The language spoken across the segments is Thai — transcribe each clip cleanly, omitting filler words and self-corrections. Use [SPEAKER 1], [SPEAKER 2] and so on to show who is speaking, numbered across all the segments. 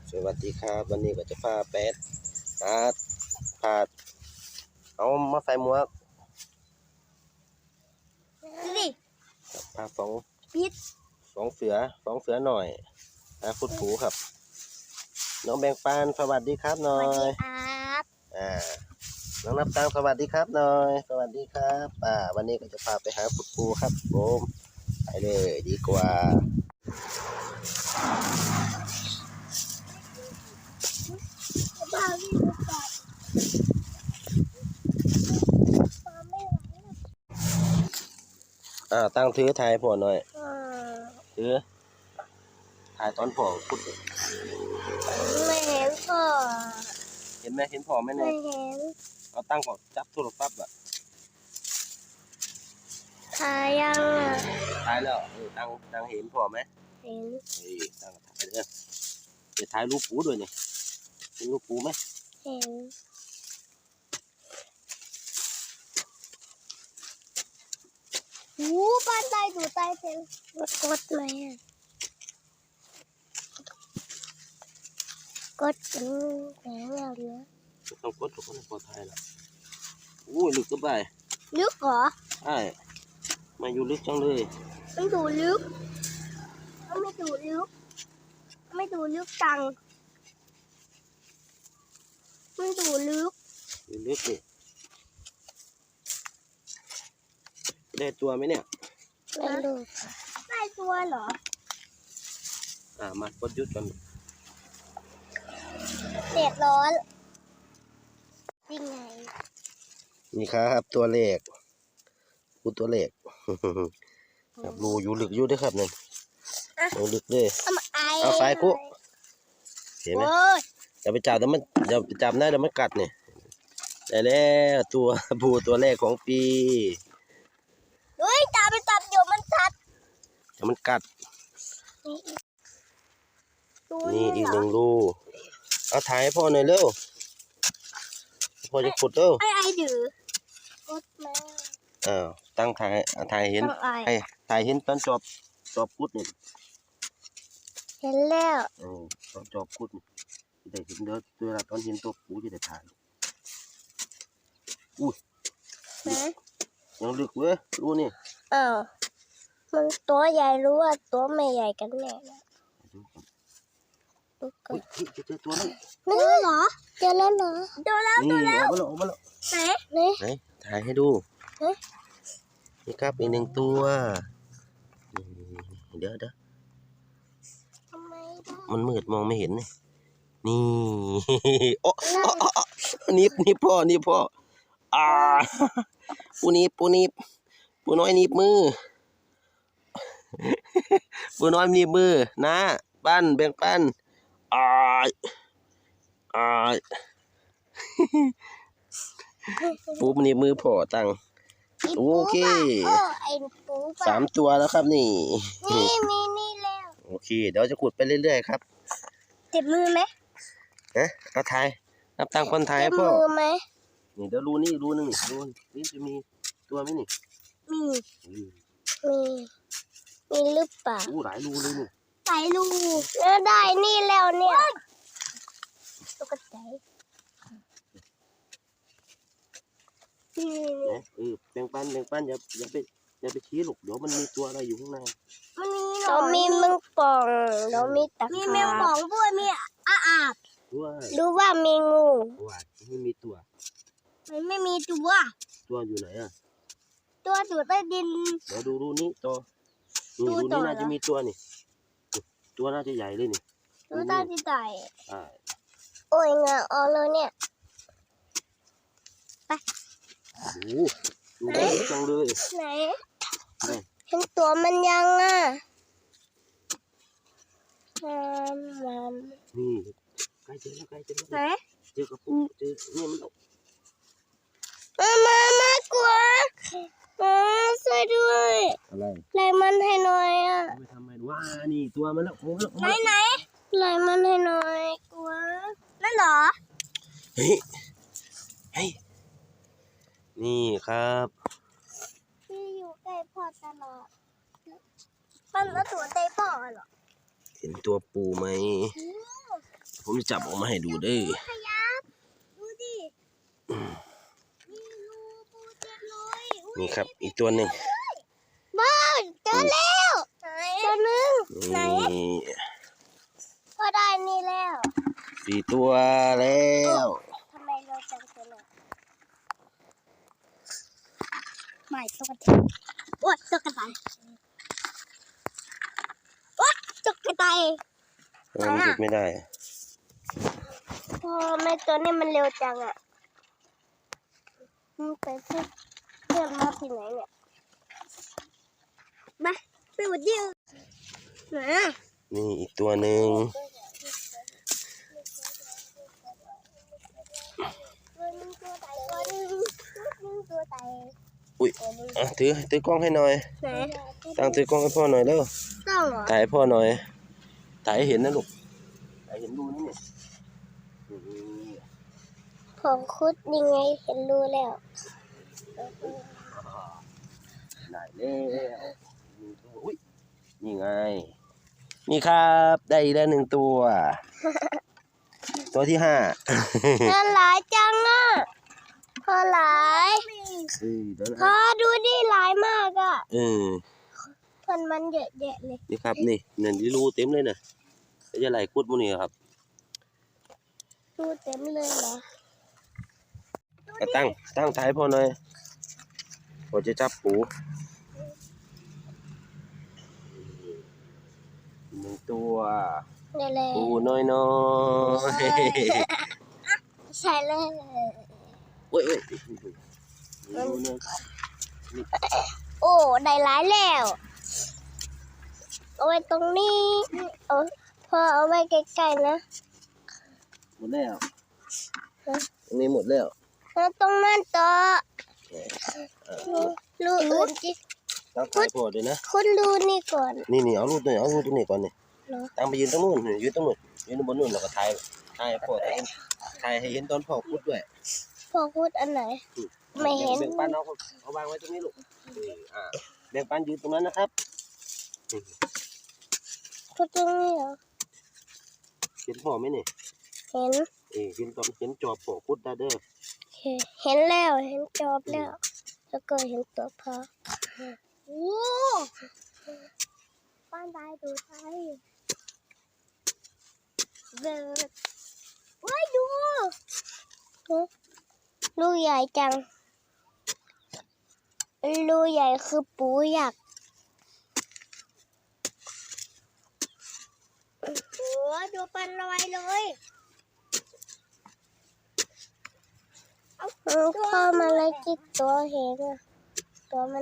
[SPEAKER 1] สวัสดีครับวันนี้ก็จะพาแปดพาเอามาใส่หมวก
[SPEAKER 2] ดิ
[SPEAKER 1] พาสอง
[SPEAKER 2] พิษ
[SPEAKER 1] สองเสือหน่อยฟุดผูครับน้องแบงปานสวัสดีครับหน่อย
[SPEAKER 2] ครับ
[SPEAKER 1] น้องนับตังสวัสดีครับหน่อยสวัสดีครับวันนี้ก็จะพาไปหาฟุดผูครับผมไปเลยดีกว่าตั้งถือถ่ายพ่อหน่อยถือถ่ายตอนพ่อพุด
[SPEAKER 2] ไม่เห็นพ่อ
[SPEAKER 1] เห็นไหมเห็นพ่อไหมเนี่ย
[SPEAKER 2] ไม่เห็น
[SPEAKER 1] เอาตั้งก่อนจับโทรศัพท์
[SPEAKER 2] ถ่ายยัง
[SPEAKER 1] ถ่ายแล้วตั้งเห็นพ่อไหม
[SPEAKER 2] เห็น
[SPEAKER 1] ตั้งถ่ายเลยจะถ่ายรูปปูด้วยนี่เห็นรูปปูไหม
[SPEAKER 2] เห็นบ้านใต้ดูใต้เซลกดไหมกดแหนแล้วเนื้อ
[SPEAKER 1] ต้องกดถูกคนพอถ่ายแล้วลึกก็ไป
[SPEAKER 2] ลึกเหรอ
[SPEAKER 1] ใช่มาอยู่ลึกจังเลย
[SPEAKER 2] ไม่ดูลึกไม่ดูลึกไม่ดูลึกจังไม่ดูลึก
[SPEAKER 1] อยู่ลึกดิได้ตัวไหมเนี่ย
[SPEAKER 2] ไม่ดูได้ตัวเหรอ
[SPEAKER 1] มากดยุดกัน
[SPEAKER 2] เดือดร้อนยังไง
[SPEAKER 1] นี่ครับตัวเลขตัวเลขครับรูอยู่ลึกอยู่ด้วยครับเนี่ยลงลึกเลยเอาไฟกุเห็นไหมอย่าไปจับแต่มันอย่าไปจับนะเดี๋ยวมันกัดเนี่ยได้แล้วตัวบูตัวแรกของปี
[SPEAKER 2] เฮ้ยจับไปจับเดี๋ยวมันกัด
[SPEAKER 1] นี่อีกหนึ่งรูเอาถ่ายให้พ่อหน่อยเร็วพ่อจะขุดเร็ว
[SPEAKER 2] ไอ้ดื้อกดมา
[SPEAKER 1] ตั้งถ่ายเห็นถ่ายเห็นตอนจอบกุดนี่
[SPEAKER 2] เห็นแล้ว
[SPEAKER 1] ตอนจอบกุดนี่ได้เห็นเด้อเวลาตอนเห็นตัวปูจะได้ถ่ายยังลึกเว้ยรู้นี่
[SPEAKER 2] มันตัวใหญ่รู้ว่าตัวไม่ใหญ่กันแน่
[SPEAKER 1] เจอตัวนึง
[SPEAKER 2] นี่เหรอเจอแล้วเหรอเจอแล้ว
[SPEAKER 1] นี่ออกมาแล้วไหนถ่ายให้ดูนี่ครับอีกหนึ่งตัวเดี๋ยวมันมืดมองไม่เห็นนี่โอ้นี่พ่อปูน้อยหนีบมือปูน้อยหนีบมือนะปั้นแบ่งปั้นปูหนีบมือพ่อตั้งโอเค3 ตัวแล้วครับนี่
[SPEAKER 2] แล้ว
[SPEAKER 1] โอเคเดี๋ยวจะขุดไปเรื่อยๆครับ
[SPEAKER 2] เจ็บมือไหม
[SPEAKER 1] เอาถ่ายนับตังคนถ่ายพ่อ
[SPEAKER 2] มือไหม
[SPEAKER 1] นี่เดี๋ยวรูนี่รูนึงนี่จะมีตัวไหมนี่
[SPEAKER 2] มีหรือเปล่า
[SPEAKER 1] หลายรูเลยนี่
[SPEAKER 2] หลายรูแล้วได้นี่แล้วเนี่ยตกใจ
[SPEAKER 1] แบ่งปันอย่าไปชี้หรอกเดี๋ยวมันมีตัวอะไรอยู่ข้างใน
[SPEAKER 2] เรามีแมงป่องเรามีตะขาบมีแมงป่องด้วยมีอาบรู้ว่ามีงู
[SPEAKER 1] ไม่มีตัว
[SPEAKER 2] มันไม่มีตัว
[SPEAKER 1] อยู่ไหน
[SPEAKER 2] ตัวอยู่ใต้ดิน
[SPEAKER 1] เดี๋ยวดูรูนี้ตัวนี้น่าจะมีตัวนี่ตัวน่าจะใหญ่เลยนี่
[SPEAKER 2] ตัวน่าจะใหญ่โอ้ยงาออกเลยเนี่ยไป
[SPEAKER 1] ดูได้จังเลย
[SPEAKER 2] ไหนเห็นตัวมันยัง
[SPEAKER 1] นี่ใกล้เจอแล้ว
[SPEAKER 2] ไหน
[SPEAKER 1] เจอกระปุกเจอเนี่ยมัน
[SPEAKER 2] มากลัวช่วยด้วย
[SPEAKER 1] อะไร
[SPEAKER 2] ไล่มันให้หน่อย
[SPEAKER 1] ไม่ทำไมว่านี่ตัวมันแล้ว
[SPEAKER 2] ไหนไล่มันให้หน่อยกลัวนั่นเหรอ
[SPEAKER 1] เฮ้ยนี่ครับ
[SPEAKER 2] พี่อยู่ใกล้พ่อตลอดมันแล้วตัวใกล้พ่อเหรอ
[SPEAKER 1] เห็นตัวปูไหมผมจะจับออกมาให้ดูเด้อ
[SPEAKER 2] ขยับดูดิมีงูปูเต็มเลยอุ๊ย
[SPEAKER 1] นี่ครับ อีกตัวหนึ่ง
[SPEAKER 2] บ้านเจอแล้วตัวหนึ่งไหน
[SPEAKER 1] นี่
[SPEAKER 2] ก็ได้นี่แล้ว
[SPEAKER 1] 4 ตัวแล้ว
[SPEAKER 2] ทำไมเราจังตัวเนี่ยไม่ตุ๊กตาโอ๊ยตุ๊กตาโอ๊ยตุ๊กตา
[SPEAKER 1] มันหยุดไม่ได้
[SPEAKER 2] พอไม่ตัวนี้มันเร็วจังอ่ะมันไปเพื่อนมาที่ไหนเนี่ยมาไปวันเดียวไหนอ่ะ
[SPEAKER 1] นี่อีกตัวหนึ่ง
[SPEAKER 2] ตัวใด
[SPEAKER 1] อุ้ยถือกล้องให้หน่อย
[SPEAKER 2] ไหน
[SPEAKER 1] ตั้งถือกล้องให้พ่อหน่อยเร็ว
[SPEAKER 2] ต้องเหรอ
[SPEAKER 1] ถ่ายให้พ่อหน่อยถ่ายให้เห็นนะลูกถ่ายเห็นรูนี่เนี่ย
[SPEAKER 2] ผมคุดยังไงเห็นรู้แล้ว
[SPEAKER 1] ได้แล้วอุ้ยนี่ไงนี่ครับได้อีกแล้ว1 ตัว ตัวที่ 5
[SPEAKER 2] พอหลายจังอ่ะพอหลาย
[SPEAKER 1] เดี๋ยว
[SPEAKER 2] พอดูดิหลายมากอ่ะ มันเยอะแยะเลย
[SPEAKER 1] นี่ครับนี่นี่รูเต็มเลยนะจะไหลคุดพวกนี้ครับ
[SPEAKER 2] ดูเต็มเลยเหรอ
[SPEAKER 1] ตั้งถ่ายพ่อหน่อยผมจะจับปู1 ตัว
[SPEAKER 2] นี่เลย
[SPEAKER 1] ปูน้อย
[SPEAKER 2] ใช่เลย
[SPEAKER 1] เว้ย
[SPEAKER 2] โอ้ได้หลายแล้วเอาไว้ตรงนี้พอเอาไว้ใกล้ๆนะ
[SPEAKER 1] หมดแล้วตรงนี้หมดแล้ว
[SPEAKER 2] แล้วตรงนั้นต่อรูอื่นจิ
[SPEAKER 1] ตั้งถ่ายพ่อด้วยนะ
[SPEAKER 2] คุณรูนี่ก่อน
[SPEAKER 1] นี่เอารูตรงนี้ก่อนนี่
[SPEAKER 2] เหรอ
[SPEAKER 1] ตั้งไปยืนตรงนู้นยืนตรงนู้นยืนบนนู้นแล้วก็ถ่ายพ่อถ่ายให้เห็นตอนพ่อพูดด้วย
[SPEAKER 2] พอพูดอันไหน ไม่เห็น
[SPEAKER 1] แบ่งปันเอาวางไว้ตรงนี้ลูกแบ่งปันยืนตรงนั้นนะครับ
[SPEAKER 2] พูดตรงนี้เหรอ
[SPEAKER 1] เห็นพ่อไหมนี่
[SPEAKER 2] เห็น
[SPEAKER 1] เห็นจอบพ่อพูดได้เด้อ
[SPEAKER 2] เห็นแล้วเห็นจอบแล้ว แล้วก็เห็นตัวพอโอ้ป้านได้ดูไทยเบิร์ดว้ายดูลูกใหญ่จังลูกใหญ่คือปูยักษ์โอ้ดูปันลอยเลยพ่อมาเลยจิกตัวเห็นอ่ะตัวมัน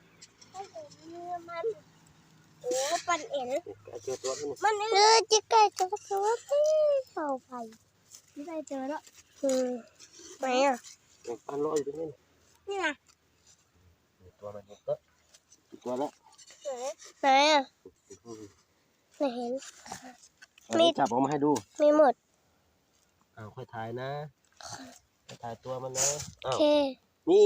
[SPEAKER 2] โอ้ปันเอ็น
[SPEAKER 1] เจอตัวนี้
[SPEAKER 2] มันจิกไก่ตัวเข้าไปไม่ได้เจอแล้วไหนอ่ะ
[SPEAKER 1] แบ่งปันรออยู่ตรงนี้
[SPEAKER 2] นี่นะ
[SPEAKER 1] ตัวมันเยอะตัวละ
[SPEAKER 2] ไหนอ่ะไม่เห็น
[SPEAKER 1] มีจับออกมาให้ดู
[SPEAKER 2] มีหมด
[SPEAKER 1] ค่อยถ่ายนะถ่ายตัวมันนะ
[SPEAKER 2] โอเค
[SPEAKER 1] นี่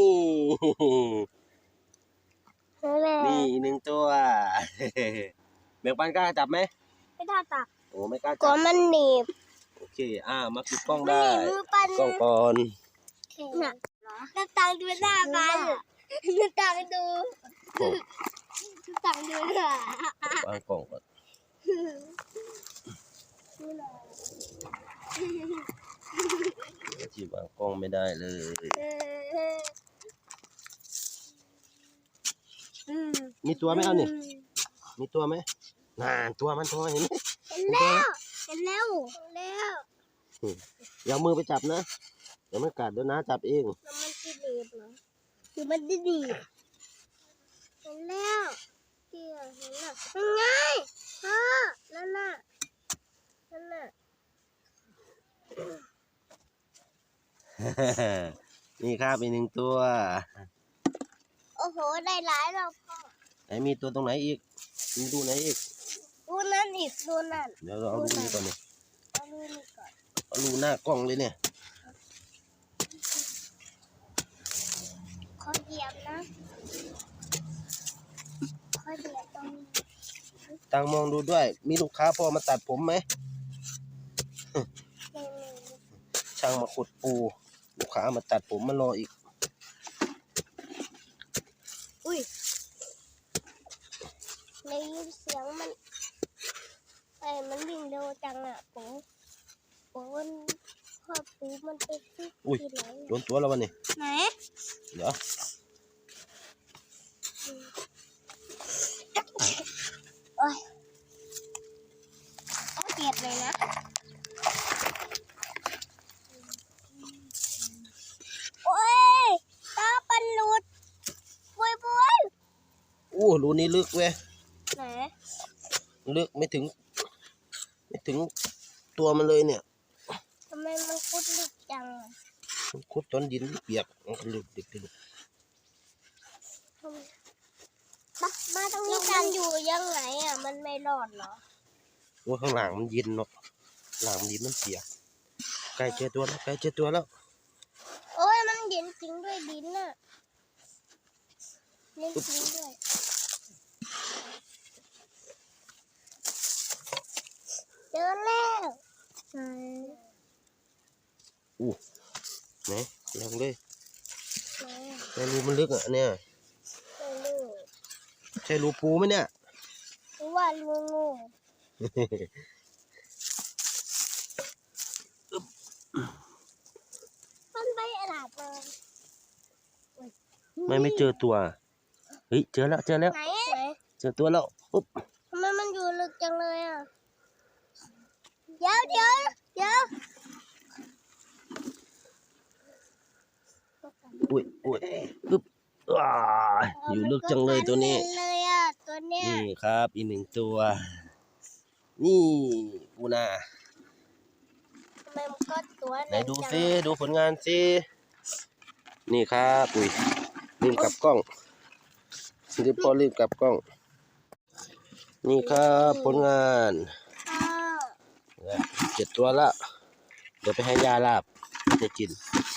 [SPEAKER 2] นั่นแหละ
[SPEAKER 1] นี่1 ตัว แบ่งปันกล้าจับไหม
[SPEAKER 2] ไม่ได้ตัก
[SPEAKER 1] โอ้ไม่กล้า
[SPEAKER 2] ก็
[SPEAKER 1] จับ
[SPEAKER 2] มันหนีบ
[SPEAKER 1] โอเคมาปิดกล้อง
[SPEAKER 2] มัน
[SPEAKER 1] ได้
[SPEAKER 2] หนีบมือปัน
[SPEAKER 1] กล้องก่อน
[SPEAKER 2] น่ะน้ำตังดูหน้าปันน้ำตังดู
[SPEAKER 1] โอ้
[SPEAKER 2] น้ำตังดูหน้าว
[SPEAKER 1] างกล้องก่อนที่วางกล้องไม่ได้เลย มีตัวไหมเอานี่มีตัวไหมตัวมันเห็นไหม
[SPEAKER 2] เห็นแล้วเห็นแล้วแล้ว
[SPEAKER 1] อย่าเอามือไปจับนะเดี๋ยวมันกัดเดี๋ยวน้าจับเอง
[SPEAKER 2] แล้วมันจะหนีบเหรอคือมันจะหนีบเห็นแล้วเกี่ยวเห็นแล้วยังไงพ่อนั่นน่ะ
[SPEAKER 1] นี่ครับอีก1 ตัว
[SPEAKER 2] โอ้โหได้หลายแล้วพ่อ
[SPEAKER 1] ไหนมีตัวตรงไหนอีกมีดูไหนอีก
[SPEAKER 2] ดูนั่นอีกดูนั่น
[SPEAKER 1] เดี๋ยวเราเอาดูนี่ก่อนนี่
[SPEAKER 2] เอาดูนี่ก่อน
[SPEAKER 1] เอาดูหน้ากล้องเลยเนี่ย
[SPEAKER 2] ขอเหยียบนะขอเหยียบตรงนี้
[SPEAKER 1] ตั้งมองดูด้วย มีลูกค้าพอมาตัดผมไหมช่างมาขุดปูลูกค้ามาตัดผมมารออีก
[SPEAKER 2] อุ้ยได้ยินเสียงมันมันวิ่งเร็วจังอ่ะผมพ่อปูมันไปที่
[SPEAKER 1] อุ้ย
[SPEAKER 2] ไหน
[SPEAKER 1] โดนตัวแล้ววันนี้
[SPEAKER 2] ไหน
[SPEAKER 1] เดี๋ยว
[SPEAKER 2] โอ้ยเจ็บเลยนะโอ้ยตาปันหลุดบวย
[SPEAKER 1] อู้รูนี้ลึกเว้ย
[SPEAKER 2] ไหน
[SPEAKER 1] ลึกไม่ถึงตัวมันเลยเนี่ย
[SPEAKER 2] ทำไมมันคุดลึกจังอะ
[SPEAKER 1] ขุดต้นดินเปียกมันก็ลึกดึก
[SPEAKER 2] มาตรงนี้กันอยู่ยังไงอ่ะมันไม่รอดเหรอ
[SPEAKER 1] ว่าข้างหลังมันเย็นเนาะหลังมันดินมันเปียกใกล้เจอตัวแล้ว
[SPEAKER 2] โอ้ยมันเย็นจริงด้วยดินน่ะเย็นจริงด้วยเจอแล้วไหน
[SPEAKER 1] อู้ไหนลองเลย
[SPEAKER 2] ไหน
[SPEAKER 1] ในรูมันลึกอ่ะเนี่ย
[SPEAKER 2] ไม่รู้
[SPEAKER 1] ใช่รูปูไหมเนี่ย
[SPEAKER 2] หรือว่างูมันไปหลับเลย
[SPEAKER 1] ไม่เจอตัวเฮ้ยเจอแล้ว
[SPEAKER 2] ไหน
[SPEAKER 1] เจอตัวแล้วปุ๊บ
[SPEAKER 2] ทำไมมันอยู่ลึกจังเลยอ่ะเดี๋ยว
[SPEAKER 1] อุ้ยปึ๊บว้าอยู่ลึกจังเลยตัวนี้
[SPEAKER 2] มันก็เลยอ่ะตัวเนี้ย
[SPEAKER 1] นี่ครับอีกหนึ่งตัว นี่ปูนา
[SPEAKER 2] ทำไมมันก็ตัว
[SPEAKER 1] ไหนดูซิดูผลงานซินี่ครับอุ้ยลืมกลับกล้องพอลืมกลับกล้อง นี่ครับผลงาน 7 ตัวละเดี๋ยวไปให้ยาลาบจะกิน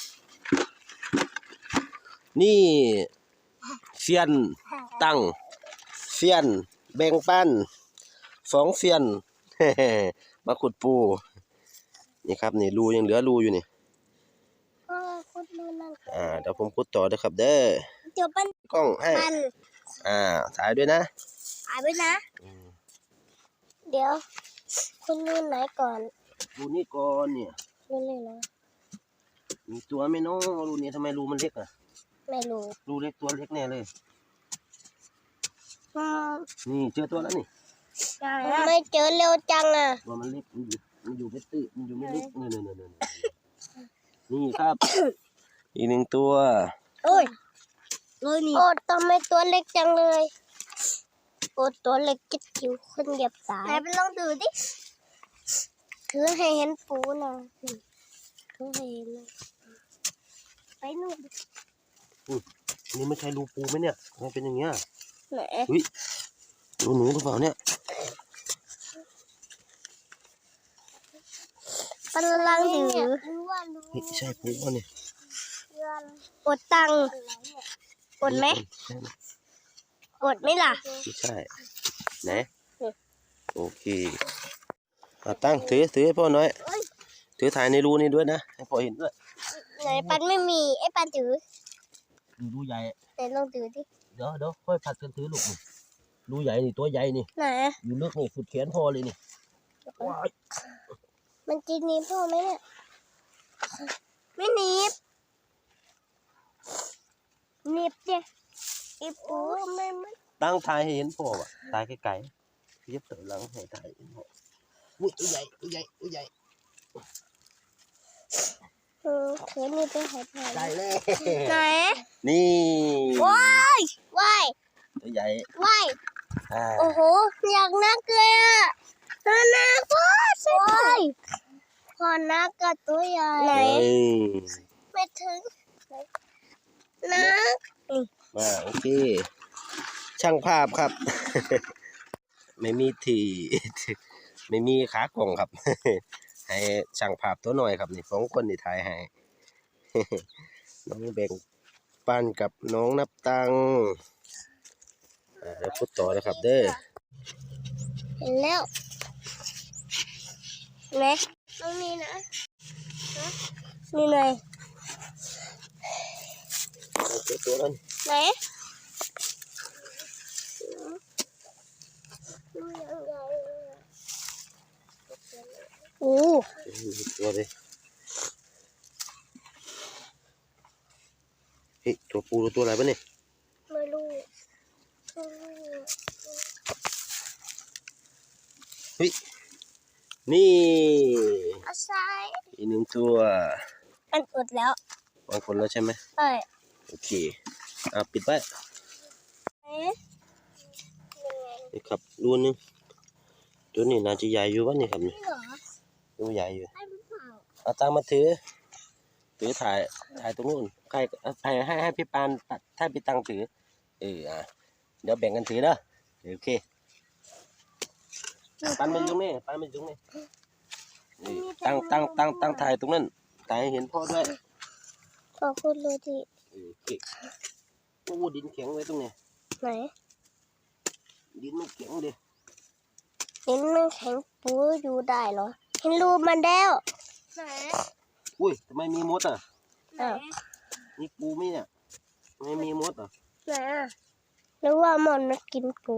[SPEAKER 1] นี่เซียนตั้งเซียนแบ่งปัน2 เซียน มาขุดปูนี่ครับนี่รูยังเหลือรูอยู่นี่
[SPEAKER 2] คุดมือนั่น
[SPEAKER 1] เดี๋ยวผมขุดต่อนะครับเด้อ
[SPEAKER 2] เดี๋ยวปั้น
[SPEAKER 1] กล้องให้ถ่ายด้วยนะ
[SPEAKER 2] หายไปนะ เดี๋ยว คุณนู่นไหนก่อน
[SPEAKER 1] รูนี้ก่อนเนี่ย
[SPEAKER 2] นู่นเลยนะ
[SPEAKER 1] มีตัวไหม่น้องรูนี้ทำไมรูมันเล็กอ่ะ
[SPEAKER 2] ไม่รู้
[SPEAKER 1] รูเล็กตัวเล็กแน่เลยนี่เจอตัวแล้วนี่
[SPEAKER 2] ไม่เจอเร็วจังอ่ะ
[SPEAKER 1] ตัวมันเล็กมันอยู่ไม่ตื้อมันอยู่ไม่ลึกนี่ครับ อีก 1 ตัว
[SPEAKER 2] โอ้ยนี่โอ้ทำไมตัวเล็กจังเลยโอ้ตัวเล็กจิ๊ดจิ๋วคนเหยียบสายไหนไปลองดูดิถือให้เห็นปูหน่อยถือให้เห็นเลยไปนู่น
[SPEAKER 1] นี่ไม่ใช่รูปูไหมเนี่ยมันเป็นอย่างเงี้ย
[SPEAKER 2] ไหน
[SPEAKER 1] อุ้ยรูหนูหรือเปล่าเนี่ย
[SPEAKER 2] กำลังถือ
[SPEAKER 1] นี่ใช่ปูป่ะเนี่ย
[SPEAKER 2] กดตังค์กดไหมกดไหมล่ะ
[SPEAKER 1] ไม่ใช่ไหนโอเคตั้งถือให้พ่อหน่อยถือถ่ายในรูนี้ด้วยนะให้พ่อเห็นด้วย
[SPEAKER 2] ไหนปันไม่มีไอ้ปันถือ
[SPEAKER 1] รูใหญ่
[SPEAKER 2] ไหนลองถือดิ
[SPEAKER 1] เดี๋ยวค่อยผัดกันถือลูกรูใหญ่นี่ตัวใหญ่นี่
[SPEAKER 2] ไหน
[SPEAKER 1] อยู่ลึกนี่สุดแขนพ่อเลยนี่ว้าย
[SPEAKER 2] มันจะหนีบพ่อไหมเนี่ยไม่หนีบหนีบเจ้อีปูไม่
[SPEAKER 1] ตั้งถ่ายให้เห็นพ่อว่ะถ่ายไกลๆเย็บเต๋อหลังให้ถ่ายเห็นพ่ออุ้ยตัวใหญ่
[SPEAKER 2] เขียนนี่ไปหายไป
[SPEAKER 1] ได้เลย
[SPEAKER 2] ไหน
[SPEAKER 1] นี่
[SPEAKER 2] ว้ายว้าย
[SPEAKER 1] ตัวใหญ่
[SPEAKER 2] ว้าย
[SPEAKER 1] อ่า
[SPEAKER 2] โอ้โหอยากนักเลยอ่ะนักพ่อใช่พอนักกับตัวใหญ่ไหน
[SPEAKER 1] เอ้ย
[SPEAKER 2] ไม่ถึงนัก
[SPEAKER 1] มาโอเค ช่างภาพครับ ไม่มีที่ ไม่มีขากล่องครับ ให้ช่างภาพตัวหน่อยครับนี่2 คนนี่ถ่ายให้ น้องแบ่งปันกับน้องนับตังค์เดี๋ยวพูดต่อนะครับเด้อ
[SPEAKER 2] เห็นแล้วเห็นไหมตรงนี้นะนี่ไง
[SPEAKER 1] ตัวนั้น
[SPEAKER 2] ไหนโอ้
[SPEAKER 1] ตัวเลยเฮ้ยตัวปูตัวอะไรปะเนี่ย
[SPEAKER 2] ไม่รู้
[SPEAKER 1] เฮ้ยนี่
[SPEAKER 2] อาไซ
[SPEAKER 1] อีกหนึ่งตัว
[SPEAKER 2] มันอุดแล้ว
[SPEAKER 1] วางคนแล้วใช่ไหม
[SPEAKER 2] ใช่
[SPEAKER 1] โอเคปิดไว้
[SPEAKER 2] เอ๊ะ
[SPEAKER 1] นี่ครับดูนึงตัวนี้น่าจะใหญ่อยู่วะนี่ครับนี่
[SPEAKER 2] นี่เหรอ
[SPEAKER 1] ดูใหญ่อยู่
[SPEAKER 2] ใช่หรือเปล่า
[SPEAKER 1] เอาตังมาถือถ่ายตรงนู้นใครให้พี่ปานถ้าพี่ตังถือเดี๋ยวแบ่งกันถือเด้อโอเคปันมันอยู่นี่ปันมันอยู่นี่นี่ตั้งถ่ายตรงนั้นถ่ายให้เห็นพ่อด้วย
[SPEAKER 2] ขอบคุณเลยที่
[SPEAKER 1] โอเคโอ้ดินแข็งไว้ตรงนี้
[SPEAKER 2] ไหน
[SPEAKER 1] ดินมันแข็งดิ
[SPEAKER 2] เห็นมันแข็งปูอยู่ได้เหรอเห็นรูมันแล้วไหน
[SPEAKER 1] อุ้ยทำไมมีมดอ่ะ
[SPEAKER 2] ไหน
[SPEAKER 1] นี่ปูไหมเนี่ยทำไมมีมดอ่ะ
[SPEAKER 2] ไหนหรือว่ามันกินปู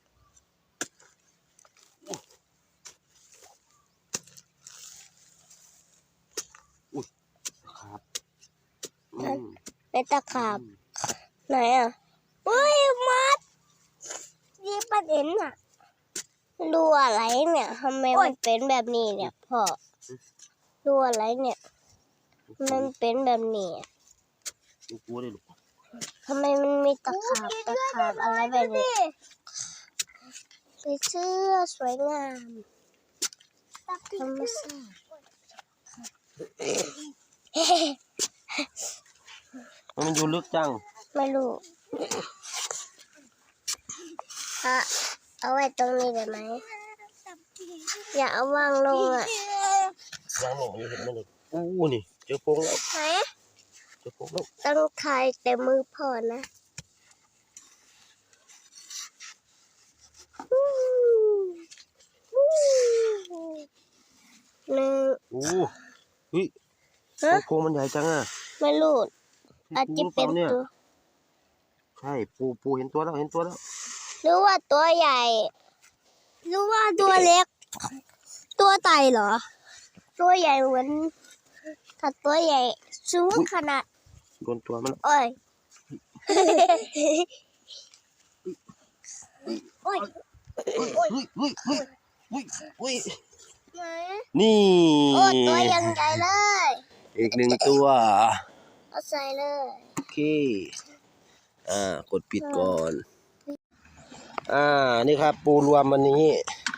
[SPEAKER 1] ครับ
[SPEAKER 2] ในตะขาบไหนอ่ะอุ้ยมัดยี่ปันเอ็นอ่ะรูอะไรเนี่ยทำไมมันเป็นแบบนี้เนี่ยพ่อรูอะไรเนี่ยมันเป็นแบบนี้อะ
[SPEAKER 1] มีปูเลยลูก
[SPEAKER 2] ทำไมมันมีตะขาบอะไรแบบนี้ใส่เสื้อสวยงามธรรมชาติ
[SPEAKER 1] มันอยู่ลึกจัง
[SPEAKER 2] ไม่รู้เอาไว้ตรงนี้ได้ไหมอย่าเอาวางลงอ่ะ
[SPEAKER 1] วางหนูอยู่เห็นมันเลยอู้นี่เจอโพรงแล้ว
[SPEAKER 2] ไหน
[SPEAKER 1] เจอโพรงแล้ว
[SPEAKER 2] ต้องถ่ายแต่มือพ่อนะหนึ่ง
[SPEAKER 1] อู้เฮ้ย
[SPEAKER 2] ฮะ
[SPEAKER 1] โพรงมันใหญ่จังอ่ะ
[SPEAKER 2] ไม่รู้อาจจะเป็น
[SPEAKER 1] เนี่ย
[SPEAKER 2] ตัว
[SPEAKER 1] ใช่ปูเห็นตัวแล้วเห็นตัวแล้ว
[SPEAKER 2] หรือว่าตัวใหญ่หรือว่าตัวเล็ก ตัวไตเหรอ ตัวใหญ่เหมือนถ้าตัวใหญ่สูงขนาด
[SPEAKER 1] โดนตัวมัน
[SPEAKER 2] โอ้ย โอ้ย
[SPEAKER 1] เฮ้ยนี่
[SPEAKER 2] โอ้ตัวยังใหญ่เลย
[SPEAKER 1] อีกหนึ่งตัว
[SPEAKER 2] เอาใส่เลย
[SPEAKER 1] โอเคกดปิดก่อนนี่ครับปูรวมวันนี้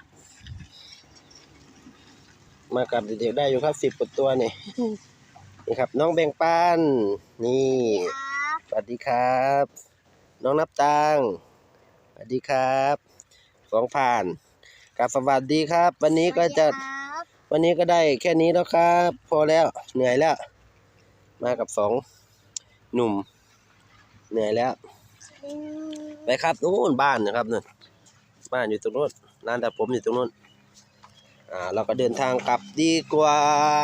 [SPEAKER 1] มากับเด็กๆได้อยู่ครับ10 กว่าตัวนี่นี่ครับน้องแบ่งปันนี่สวัสดีครับ น้องนับตังสวัสดีครับของผ่านกับสวัสดีครับ วันนี้ก็จะวันนี้ก็ได้แค่นี้แล้วครับ พอแล้วเหนื่อยแล้ว มากับ2 หนุ่มเหนื่อยแล้วไปครับนู้นบ้านนะครับนู่นบ้านอยู่ตรงนู้นร้านตัดผมอยู่ตรงนู้นเราก็เดินทางกลับดีกว่า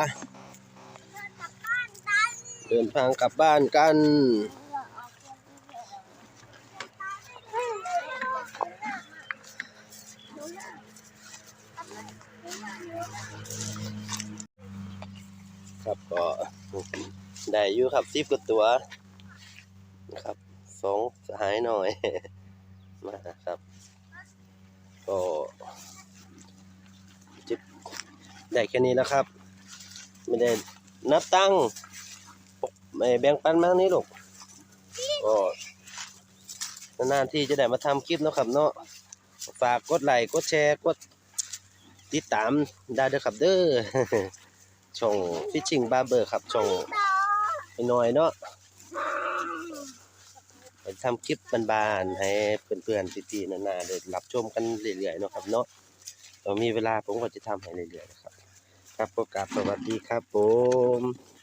[SPEAKER 1] เดินทางกลับบ้านกันครับก็ได้อยู่ครับ10 กว่าตัวนะครับ2 สหายหน่อย มาครับก็จิบได้แค่นี้แล้วครับไม่ได้นับตังค์ไม่แบ่งปันมากนี้ลูกก็นานๆที่จะได้มาทำคลิปเนาะครับเนาะฝากกดไลค์กดแชร์กดติดตามได้เด้อครับเด้อ ช่อง Fishing Barber ครับช่องน้อยๆเนาะทำคลิปบานๆให้เพื่อนๆพี่ๆนาๆได้รับชมกันเรื่อยๆเนาะครับเนาะเรามีเวลาผมก็จะทำให้เรื่อยๆนะครับครับก็กราบสวัสดีครับผม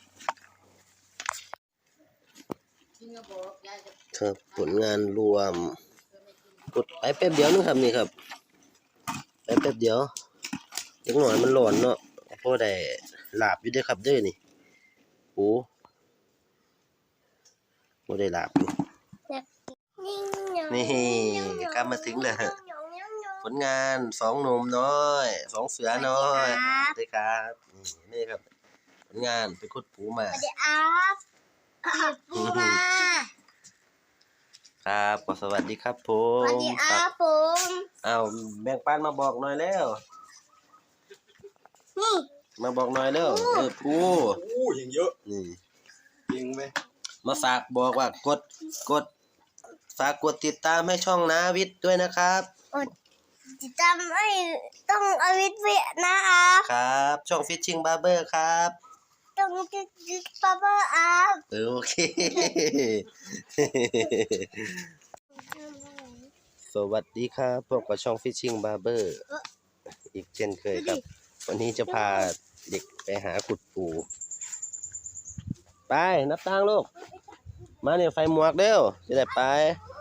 [SPEAKER 1] ครับผลงานรวมกดไปแป๊บเดียวนึงครับนี่ครับไปแป๊บเดียวเล็กหน่อยมันหล่นเนาะพอได้ลาบอยู่เด้อครับเด้อนี่โอ้บ่ได้ลาบอยู่นี่กลับมาถึงแล้วผลงาน2หนุ่มน้อย2เสือน้อยสวัสดีครับนี่ครับผลงานไปขุดปูมา
[SPEAKER 2] สวัสดีครับปูมา
[SPEAKER 1] ครับก็สวัสดีครับผ
[SPEAKER 2] สวัส
[SPEAKER 1] ม
[SPEAKER 2] ดีครับผม
[SPEAKER 1] เอาแบ่งปันมาบอกหน่อยแล้ว
[SPEAKER 2] นี่
[SPEAKER 1] มาบอกหน่อยแล้วปู
[SPEAKER 3] อู้ยิงเยอะ
[SPEAKER 1] นี่
[SPEAKER 3] ยิงไหม
[SPEAKER 1] มาฝากบอกว่ากดฝากกดติดตามให้ช่องนาวิทย์ด้วยนะครับ
[SPEAKER 2] ติดตามให้ต้องอวิทย์เวียนะครับ
[SPEAKER 1] ครับ ช่อง Fishing Barber ครับ
[SPEAKER 2] ต้องติดปาเปอร์อัพ
[SPEAKER 1] โอเค สวัสดีครับพบกับช่อง Fishing Barber อีกเช่นเคยครับ วันนี้จะพาเด็กไปหาขุดปูไปนับตังค์ลูก มาเนี่ยไฟหมวกเร็วจะได้ไป